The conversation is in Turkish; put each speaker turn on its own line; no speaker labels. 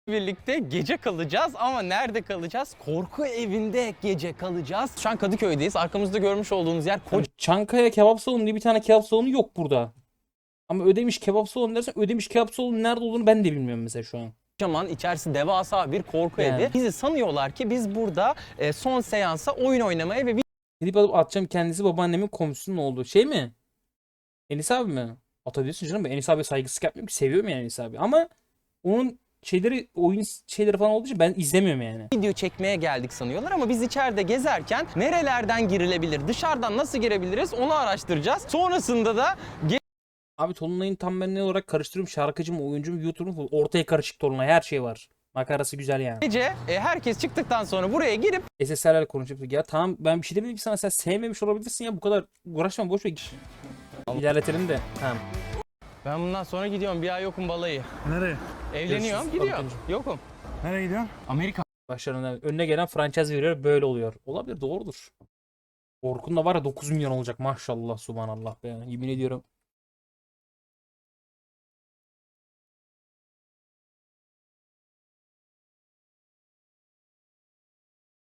birlikte gece kalacağız ama nerede kalacağız? Korku evinde gece kalacağız. Şu an Kadıköy'deyiz. Arkamızda görmüş olduğunuz yer
Çankaya kebap salonu diye bir tane kebap salonu yok burada. Ama Ödemiş kebap salonu dersen Ödemiş kebap salonu nerede olduğunu ben de bilmiyorum mesela şu an.
kocaman, içerisi devasa bir korku
Yani.
evi. Bizi sanıyorlar ki biz burada son seansa oyun oynamaya ve
Gidip alıp atacağım, kendisi babaannemin komşusunun olduğu şey mi? Enis abi mi? Atabilirsin canım. Ben Enis abi saygısızlık yapmıyorum ki. Seviyorum yani Enis abi. Ama onun şeyleri, oyun şeyleri falan olduğu için ben izlemiyorum yani.
video çekmeye geldik sanıyorlar ama biz içeride gezerken nerelerden girilebilir, dışarıdan nasıl girebiliriz onu araştıracağız. Sonrasında da
Abi Tolunay'ın tam ben ne olarak karıştırıyorum. Şarkıcı mı, oyuncu mu, YouTuber mu? Ortaya karışık Tolunay. Her şey var. Makarası güzel yani.
gece herkes çıktıktan sonra buraya girip
SSR'lerle konuşup ya tamam ben bir şey demedim ki sana, sen sevmemiş olabilirsin ya, bu kadar uğraşma, boş ver. İlerletelim de. Tamam.
ben bundan sonra gidiyorum, bir ay yokum balayı.
Nereye?
Evleniyorum,
Görüşürüz.
gidiyorum.
Tabii.
Yokum.
Nereye gidiyorsun?
Amerika.
Başlarına önüne gelen franchise veriyor, böyle oluyor. Olabilir, doğrudur. Orkun da var ya 9 milyon olacak maşallah subhanallah be. Yemin ediyorum.